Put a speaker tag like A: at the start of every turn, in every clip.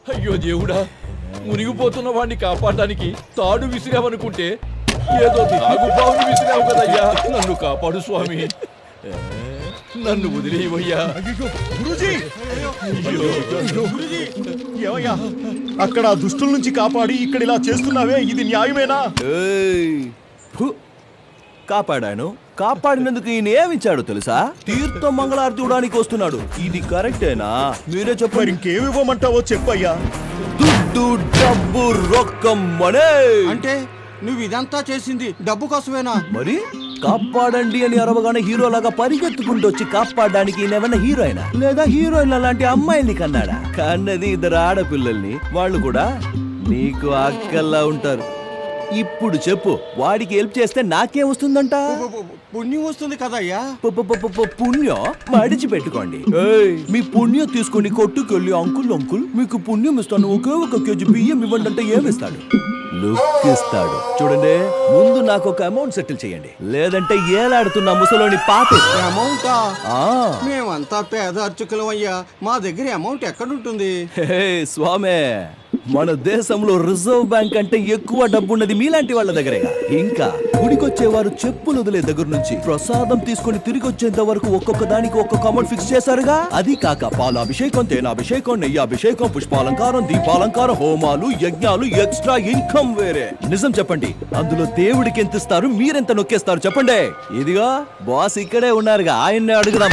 A: అయ్యో దేవుడా, మునిగిపోతున్న వాడిని కాపాడడానికి తాడు విసిరావనుకుంటే ఏదో నాగుబావుని విసిరావు కదయ్యా. నన్ను కాపాడు స్వామి, నన్ను వదిలేవయ్యా.
B: ఏమయ్యా అక్కడ దుష్టుల నుంచి కాపాడి ఇక్కడ ఇలా చేస్తున్నావే, ఇది న్యాయమేనా?
C: కాపాడాను. కాపాడినందుకు ఈయన ఏమిచ్చాడు తెలుసా? తీర్థం మంగళారతి ఇవ్వడానికి వస్తున్నాడు. ఇది కరెక్టేనా? మీరే చెప్పారు.
B: ఇంకేమి ఇవ్వమంటావో చెప్పయ్యా.
C: దుడ్డు, డబ్బు, రొక్కం, మనే.
D: అంటే నువ్వు ఇదంతా చేసింది డబ్బు కోసమేనా?
C: మరి కాపాడండి అని అరవగానే హీరోలాగా పరిగెత్తుకుంటూ వచ్చి కాపాడడానికి ఈయనేమన్నా హీరోయినా, లేదా హీరోయిన్ లాంటి అమ్మాయిని కన్నాడా? కన్నది ఇద్దరు ఆడపిల్లల్ని. వాళ్ళు కూడా నీకు అక్కల్లా ఉంటారు. ఇప్పుడు చెప్పు, వాడికి హెల్ప్ చేస్తే నాకేం వస్తుందంట?
D: పుణ్యం వస్తుంది కదయ్యా.
C: పుణ్యం మడిచి పెట్టుకోండి. మీ పుణ్యం తీసుకుని కొట్టుకెళ్ళి అంకుల్ మీకు పుణ్యం ఇస్తాను, ఒకే ఒక కేజీ బియ్యం ఇవ్వండి అంటే ఏమిస్తాడు? లుక్ ఇస్తాడు. చూడండి, ముందు నాకు ఒక అమౌంట్ సెటిల్ చేయండి, లేదంటే ఏలాడుతున్న ముసలోని పాపే.
D: అమౌంటా? మేమంతా పేద అర్చకులం అయ్యా, మా దగ్గర అమౌంట్ ఎక్కడుంటుంది?
C: స్వామే, మన దేశంలో రిజర్వ్ బ్యాంక్ అంటే ఎక్కువ డబ్బున్నది మీలాంటి వాళ్ళ దగ్గరేగా. ఇంకా గుడికొచ్చేవారు చెప్పులు వదిలే దగ్గర నుంచి ప్రసాదం తీసుకుని తిరిగి వచ్చేంత వరకు ఒక్కొక్క దానికి ఒక్కొక్క అమౌంట్ ఫిక్స్ చేశారుగా. అది కాక పాలాభిషేకం, తేనాభిషేకం, నెయ్యాభిషేకం, పుష్పాలంకారం, దీపాలంకారం, హోమాలు, యజ్ఞాలు, ఎక్స్ట్రా ఇన్కమ్ వేరే. నిజం చెప్పండి, అందులో దేవుడికి ఎంత ఇస్తారు, మీరెంత నొక్కేస్తారు చెప్పండి. ఇదిగా బాస్ ఇక్కడే ఉన్నారుగా, ఆయన్నే అడుగుదాం.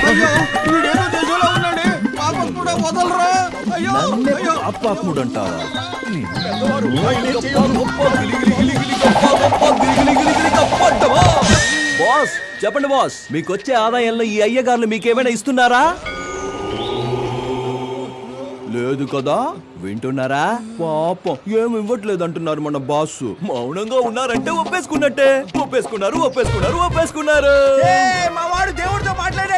C: బాస్ చెప్పండి బాస్, మీకు వచ్చే ఆదాయంలో ఈ అయ్యగారులు మీకేమైనా ఇస్తున్నారా? లేదు కదా, వింటున్నారా? పాపం ఏమి ఇవ్వట్లేదు అంటున్నారు మన బాస్. మౌనంగా ఉన్నారంటే ఒప్పేసుకున్నట్టే. ఒప్పేసుకున్నారు.
D: మా వాడు దేవుడితో మాట్లాడాడు.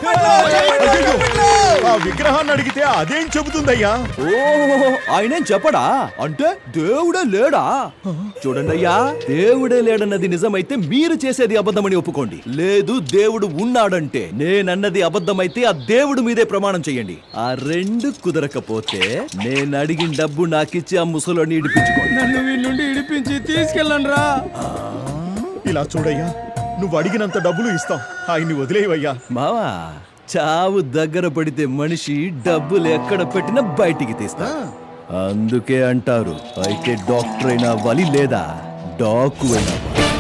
B: ఆ విగ్రహాన్ని అడిగితే అదేం చెబుతుందయ్యా?
C: ఓ, ఆయనేం చెప్పడా? అంటే దేవుడే లేడా? చూడండి అయ్యా, దేవుడే లేడన్నది నిజమైతే మీరు చేసేది అబద్ధమని ఒప్పుకోండి. లేదు దేవుడు ఉన్నాడంటే నేనన్నది అబద్ధమైతే ఆ దేవుడు మీదే ప్రమాణం చెయ్యండి. ఆ రెండు కుదరకపోతే నేను అడిగిన డబ్బు నాకిచ్చి ఆ ముసలోని ఇడిపించుకోండి.
D: నన్ను వీళ్ళ నుండి ఇడిపించి తీసుకెళ్ళండి రా.
B: ఇలా చూడయ్యా, నువ్వు అడిగినంత డబ్బులు ఇస్తాం, ఆయన్ని వదిలేవయ్యా.
C: మావా, చావు దగ్గర పడితే మనిషి డబ్బులు ఎక్కడ పెట్టినా బయటికి తీస్తా. అందుకే అంటారు, అయితే డాక్టర్ అయినా వలి లేదా డాకు అయినా.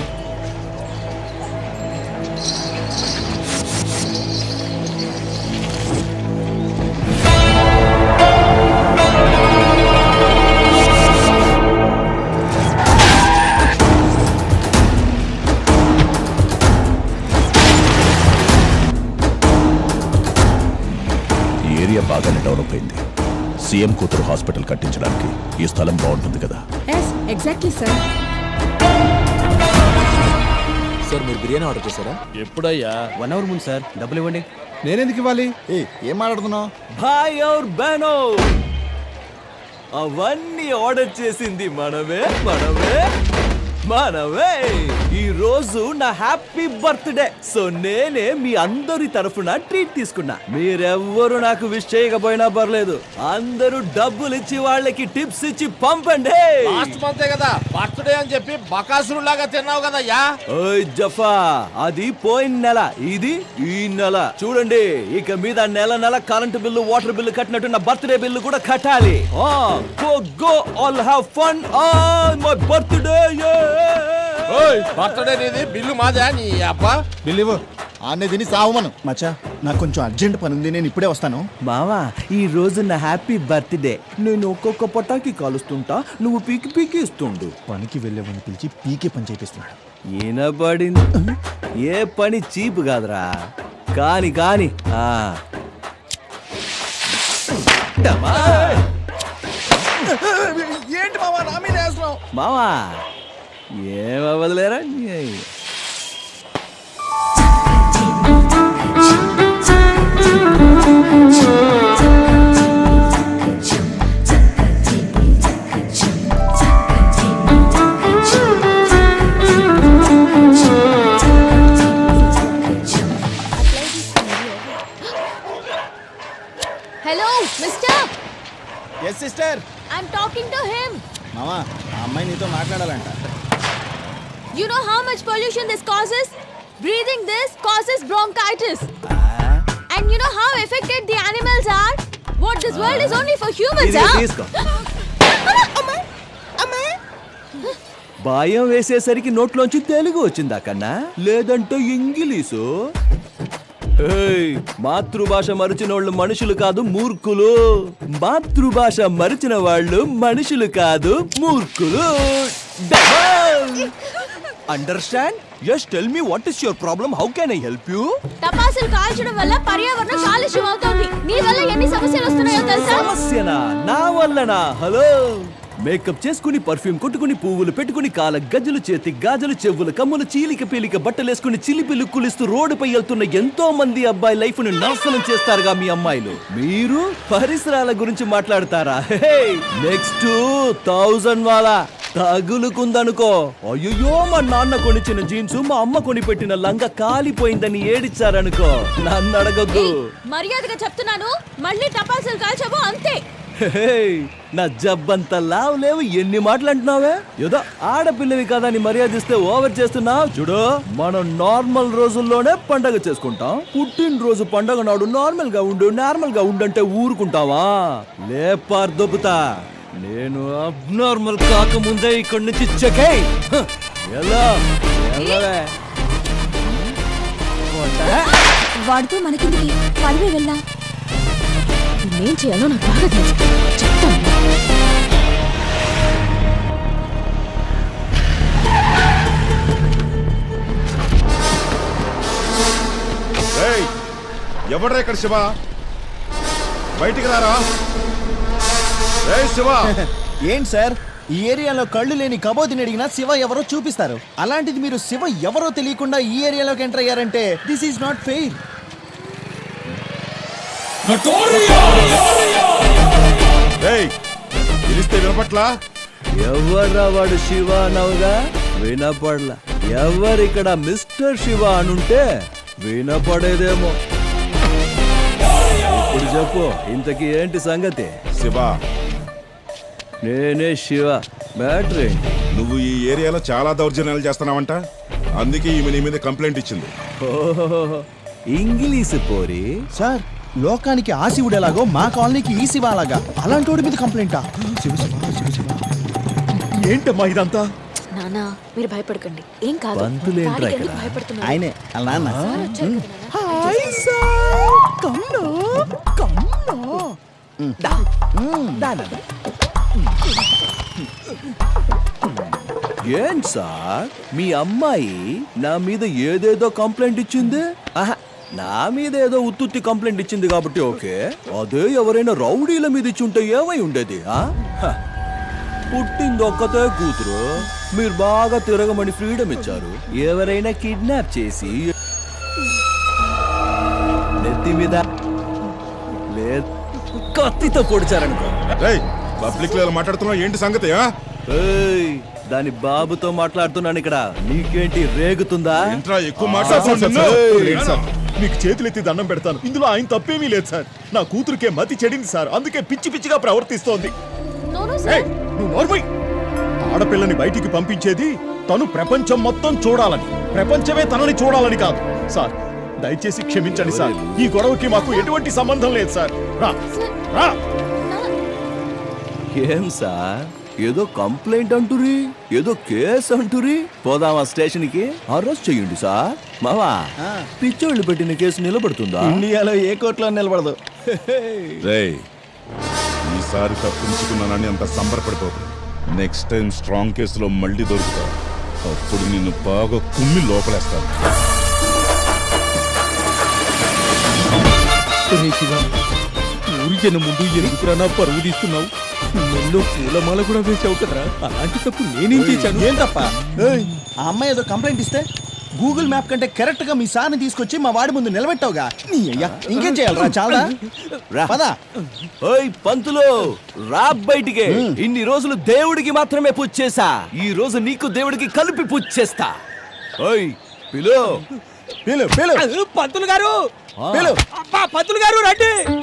E: బాగానే డెవలప్ అయింది. సీఎం కూతురు హాస్పిటల్ కట్టించడానికి ఈ స్థలం బాగుంటుంది కదా?
F: Exactly sir.
A: సార్, మీరు బిర్యానీ ఆర్డర్ చేశారా? ఎప్పుడయ్యా?
D: 1 అవర్ ముందు సార్. డబ్బులు ఇవ్వండి.
B: నేనెందుకు ఇవ్వాలి? ఏం మాట్లాడుతున్నావు?
C: భాయ్ ఔర్ బహనో, అవన్నీ ఆర్డర్ చేసింది మనమే. ఈ రోజు నా హ్యాపీ బర్త్డే. సో నేనే మీ అందరి తరఫున ట్రీట్ తీసుకున్నా. మీరెవ్వరు నాకు విష్ చేయకపోయినా పర్లేదు, అందరూ డబ్బులు ఇచ్చి వాళ్ళకి టిప్స్ ఇచ్చి పంపండి.
A: లాస్ట్ మంతే కదా బర్త్డే అని చెప్పి బకాసురు లాగా తిన్నావు కదయ్యా.
C: ఓయ్ జఫా, అది పోయిన నెల, ఇది ఈ నెల. చూడండి, ఇక మీద నెల కరెంటు బిల్లు, వాటర్ బిల్లు కట్టినట్టు నా బర్త్డే బిల్లు కూడా కట్టాలి. Go all have fun on my birthday.
A: Birthday నీది, బిల్లు మాదా? నీ అబ్బా
B: బిల్లు ఇవ్వు. ఆనే తిని సావమను. మచ్చా, నాకు కొంచెం అర్జెంట్ పని ఉంది, నేను ఇప్పుడే వస్తాను.
C: మావా, ఈ రోజు నా హ్యాపీ బర్త్డే. నేను ఒక్కొక్క పటాకి కాలుస్తుంటా, నువ్వు పీకి ఇస్తుండు.
B: పనికి వెళ్ళేవాడిని పిలిచి పీకే పని చేపిస్తున్నాడు.
C: ఈనబడింది. ఏ పని చీపు కాదురా. కాని
B: ఏంటి మావా నా మీద వేస్తున్నావు?
C: మావా ఏమవ్వదులేరా.
F: Hello mister.
B: Sister
F: I'm talking to him.
B: మామా ఆ అమ్మాయి నీతో మాట్లాడాలంట.
F: You know how much pollution this causes? Breathing this causes bronchitis. And you know how affected the animals are? What, this world is only for humans,
C: ఇది
F: huh?
C: తీసుకో. భయం వేసేసరికి నోట్లోంచి తెలుగు వచ్చిందా కన్నా లేదంటే ఇంగ్లీషు. ఏయ్, మాతృభాష మరిచిన వాళ్ళు మనుషులు కాదు మూర్ఖులు. మాతృభాష మరిచిన వాళ్ళు మనుషులు కాదు మూర్ఖులు. Understand? Yes, tell me what is your problem? How can I help you?
F: టపాసులు కాల్చడం వల్ల పర్యావరణం కాలుష్యం అవుతోంది. నీ వల్ల ఎన్ని సమస్యలు వస్తున్నాయో తెలుసా?
C: సమస్యనా? నా వల్లనా? హలో, మేకప్ చేసుకుని పర్ఫ్యూమ్ కొట్టుకుని పువ్వులు పెట్టుకుని కాల గజ్జలు చేతి గాజులు చెవులు కమ్ములు చీలిక పీలిక బట్టలేసుకుని చిలిపి లుక్కులిస్తూ రోడ్డుపై వెళ్తున్న ఎంతో మంది అబ్బాయి లైఫ్ ను నాశనం చేస్తారుగా మీ అమ్మాయిలు. మీరు పరిసరాల గురించి మాట్లాడతారా? నెక్స్ట్ 1000 వాలా తగులుకుందనుకో. అయ్యో, మా నాన్న కొనిచ్చిన జీన్స్ మా అమ్మ కొని పెట్టిన లంగా కాలిపోయిందని ఏడిచ్చారనుకో. నన్ను అడగొద్దు.
F: మర్యాదగా చెప్తున్నాను, మళ్ళీ టపాసులు కాల్చావో అంతే.
C: నా జబ్బంత లావు లేవు, ఎన్ని మాటలు అంటున్నావే? ఏదో ఆడపిల్లవి కదా అని మర్యాదిస్తే ఓవర్ చేస్తున్నావు. చూడు, మనం నార్మల్ రోజుల్లోనే పండగ చేసుకుంటాం. పుట్టినరోజు పండగ నాడు నార్మల్ గా ఉండంటే ఊరుకుంటావా? లేపార్ దొబ్బుతా. నేను అబ్నార్మల్ కాకముందే ఇక్కడి నుంచి చెకై ఎలా
F: వాడితో మనకిందికి పడివే వెళ్దాం. నేనేం చేయాలో నాకు బాగా తెలుసు, చెప్తాను.
A: ఎవడ్రా ఇక్కడ శివ? బయటికి రారా. శివ
B: ఏంటి సార్, ఈ ఏరియాలో కళ్ళు లేని కబోదిని అడిగినా శివ ఎవరో చూపిస్తారు. అలాంటిది మీరు శివ ఎవరో తెలియకుండా ఈ ఏరియాలోకి ఎంటర్ అయ్యారంటే దిస్ ఈజ్ నాట్ ఫెయిర్.
A: పిలిస్తే వినపట్లా?
C: ఎవర్రా వాడు శివ అనవుగా? వినపడలా. ఎవరిక్కడ మిస్టర్ శివ అనుంటే వినపడేదేమో. ఇప్పుడు చెప్పు, ఇంతకీ ఏంటి సంగతి?
A: శివ,
C: నేనే శివ. బ్యాటరీ
A: నువ్వు ఈ ఏరియాలో చాలా దౌర్జన్యాలు చేస్తున్నావంట. అందుకే ఈమె నీ మీద కంప్లైంట్ ఇచ్చింది.
C: ఇంగ్లీష్ పోరి.
B: సార్, లోకానికి ఆ శివుడు ఎలాగో మా కాలనీకి ఈ శివ అలాగా. అలాంటి వాడి మీద కంప్లైంటా? శివ శివ శివ శివ. ఏంటమ్మా ఇదంతా?
F: నానా, మీరు భయపడకండి, ఏం కాదు.
C: పంతులేంట్రా
F: వాడికి
C: ఇక్కడ?
F: ఎందుకు భయపడుతున్నారు?
B: ఆయనే అలా అన్న.
F: సార్ వచ్చారు కదా నాన్న.
B: Hi sir, come on come on.
C: ఏం సార్, మీ అమ్మాయి నా మీద ఏదేదో కంప్లైంట్ ఇచ్చింది? ఆహా, నా మీద ఏదో ఉత్తుత్తి కంప్లైంట్ ఇచ్చింది కాబట్టి ఓకే. అదే ఎవరైనా రౌడీల మీద ఇచ్చుంటే ఏమై ఉండేది? పుట్టింది ఒక్కతే కూతురు, మీరు బాగా తిరగమని ఫ్రీడమ్ ఇచ్చారు. ఎవరైనా కిడ్నాప్ చేసి నెత్తి మీద లేదు కత్తితో పొడిచారనుకో.
A: పబ్లిక్ లో మాట్లాడుతున్నావు, ఏంటి సంగతి?
C: ఏయ్, దాని బాబుతో మాట్లాడుతున్నాను ఇక్కడ. నీకేంటి రేగుతుందా?
A: ఇంట్రా ఎక్కువ
B: లేదు సార్, మీకు చేతులెత్తి దండం పెడతాను. ఇందులో ఆయన తప్పేమీ లేదు సార్. నా కూతురికే మతి చెడింది సార్, అందుకే పిచ్చి పిచ్చిగా ప్రవర్తిస్తోంది.
F: No, no, sir.
B: నువ్వు నోర్మై. ఆడపిల్లని బయటికి పంపించేది తను ప్రపంచం మొత్తం చూడాలని, ప్రపంచమే తనని చూడాలని కాదు సార్. దయచేసి క్షమించండి సార్, ఈ గొడవకి మాకు ఎటువంటి సంబంధం లేదు సార్. రా రా.
C: ఏం సార్, ఏదో కంప్లైంట్ అంటురి, ఏదో కేసు అంటురి. పోదామా స్టేషన్ కి? అరెస్ట్ చేయండి సార్. మావా, పిచ్చోళ్ళు పెట్టిన కేసు నిలబడుతుందా?
B: ఇండియాలో ఏ కోర్టులో నిలబడదు.
A: ఈసారి తప్పించుకున్నానని అంత సంబరపడిపోతుంది. నెక్స్ట్ టైం స్ట్రాంగ్ కేసులో మళ్ళీ దొరుకుతావు. అప్పుడు నిన్ను బాగా కుమ్మి లోపలేస్తాను.
G: ఊరి జనం ముందు ఎందుకురా నా పరువు తీస్తున్నావు? నన్ను పూలమాల కూడా వేసావు కదరా. అలాంటి తప్పు నేనేం చేశాను?
B: ఏం తప్ప? ఆ అమ్మాయి ఏదో కంప్లైంట్ ఇస్తే గూగుల్ మ్యాప్ కంటే కరెక్ట్ గా మీ సార్ని తీసుకొచ్చి మా వాడి ముందు నిలబెట్టావుగా. నీ అయ్యా, ఇంకేం చేయాలరా? చాలా పదా.
C: ఓయ్ పంతులు, రా బయటికి. ఇన్ని రోజులు దేవుడికి మాత్రమే పూజ చేశా, ఈ రోజు నీకు దేవుడికి కలిపి పూజ చేస్తా. ఓయ్ పిలు
B: పిలు పిలు
G: పంతులు గారు,
B: పిలు.
G: పంతులు గారు రండి.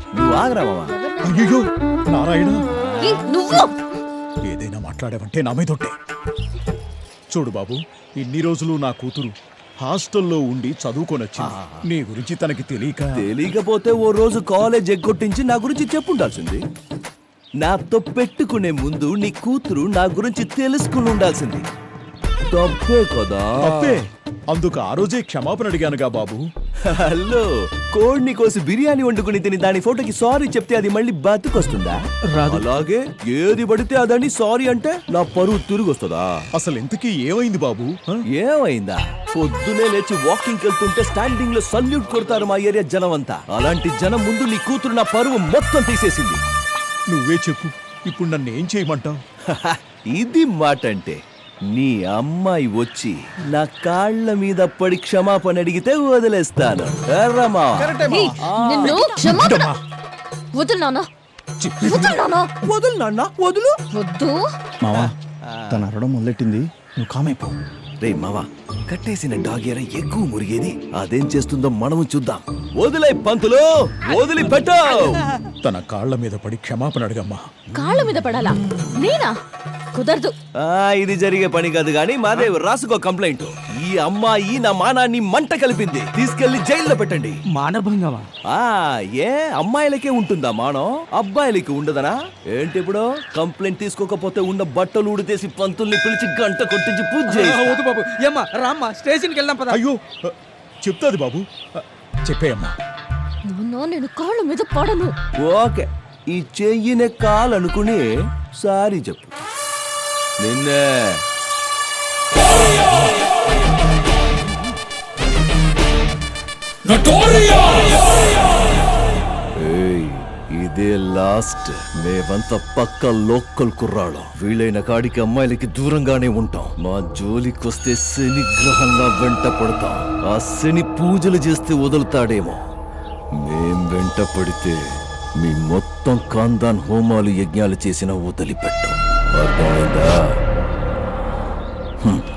C: నువ్వు ఆగరా మావా.
B: అయ్యో నారాయణ,
F: ఏ, నువ్వు
B: ఏదైనా మాట్లాడావంటే నా మీదొట్టే. చూడు బాబు, ఇన్ని రోజులు నా కూతురు హాస్టల్లో ఉండి చదువుకొనొచ్చింది. నీ గురించి తనకి
C: తెలియకపోతే ఓ రోజు కాలేజ్ ఎగ్గొట్టించి నా గురించి చెప్పుండాల్సింది. నాతో పెట్టుకునే ముందు నీ కూతురు నా గురించి తెలుసుకుని ఉండాల్సింది. తప్పే కదా.
B: తప్పే. అందుకు ఆ రోజే క్షమాపణ అడిగానుగా బాబు.
C: హలో, కోడిని కోసి బిర్యానీ వండుకుని తిని దాని ఫోటోకి సారీ చెప్తే అది మళ్ళీ బతుకొస్తుందా? అలాగే ఏది పడితే అదని సారీ అంటే నా పరువు తిరిగి వస్తుందా?
B: అసలు ఇంతకీ ఏమైంది బాబు?
C: ఏమైందా? పొద్దునే లేచి వాకింగ్ వెళ్తుంటే స్టాండింగ్ లో సల్యూట్ కొడతారు మా ఏరియా జనం అంతా. అలాంటి జనం ముందు నీ కూతురు నా పరువు మొత్తం తీసేసింది.
B: నువ్వే చెప్పు, ఇప్పుడు నన్ను ఏం చేయమంటావు?
C: ఇది మాట అంటే, నీ అమ్మాయి వచ్చి నా కాళ్ళ మీద పడి క్షమాపణ అడిగితే వదిలేస్తాను. ఎర్రమా
F: ఏయ్, నిన్ను క్షమాపణ వదులు నాన్న, వదులు నాన్న,
C: వదులు నాన్న, వదులు.
F: వద్దు.
B: మావా, తన అరవడం మొదలెట్టింది, నువ్వు కామైపో.
C: రే మావా, కట్టేసిన డాగేరా ఎక్కువ మురిగేది. అదేం చేస్తుందో మనము చూద్దాం. వదిలే పంతులు, వదిలిపెట్టు.
B: తన కాళ్ళ మీద పడి క్షమాపణ అడగమ్మా.
F: కాళ్ళ మీద పడాలా? నేనా? కుదరదు.
C: ఇది జరిగే పని కాదు గాని మాదేవ్ రాసుకో కంప్లైంట్. ఈ అమ్మాయి నా మానాన్ని మంట కలిపింది, తీసుకెళ్లి జైల్లో పెట్టండి.
G: మానభంగమా?
C: ఏ అమ్మాయిలకే ఉంటుందా మానం, అబ్బాయిలకి ఉండదనా ఏంటి? ఇప్పుడు కంప్లైంట్ తీసుకోకపోతే ఉన్న బట్టలు ఉడితేసి పంతుల్ని పిలిచి గంట కొట్టించి పూజ చేయిస్తా.
G: వద్దు బాబు, ఏమ్మా రామ్మా, స్టేషన్కి వెళ్దాం పద.
B: అయ్యో, చెప్తాది బాబు, చెప్పేయమ్మా.
F: నాన్న, నేను కాళ్ళ మీద పడను.
C: ఓకే, ఈ చెయ్యినే కాలనుకుని సారీ చెప్పు. నిన్నే ఏయ్, ఇదే లాస్ట్. మేమంతా పక్క లోకల్ కుర్రాళ్ళం. వీలైన కాడికి అమ్మాయిలకి దూరంగానే ఉంటాం. మా జోలికొస్తే శని గ్రహంలా వెంట పడతాం. ఆ శని పూజలు చేస్తే వదులుతాడేమో. మేం వెంట పడితే మీ మొత్తం ఖాందాన్ హోమాలు యజ్ఞాలు చేసిన వదిలిపెట్టాం. అర్థమైందా?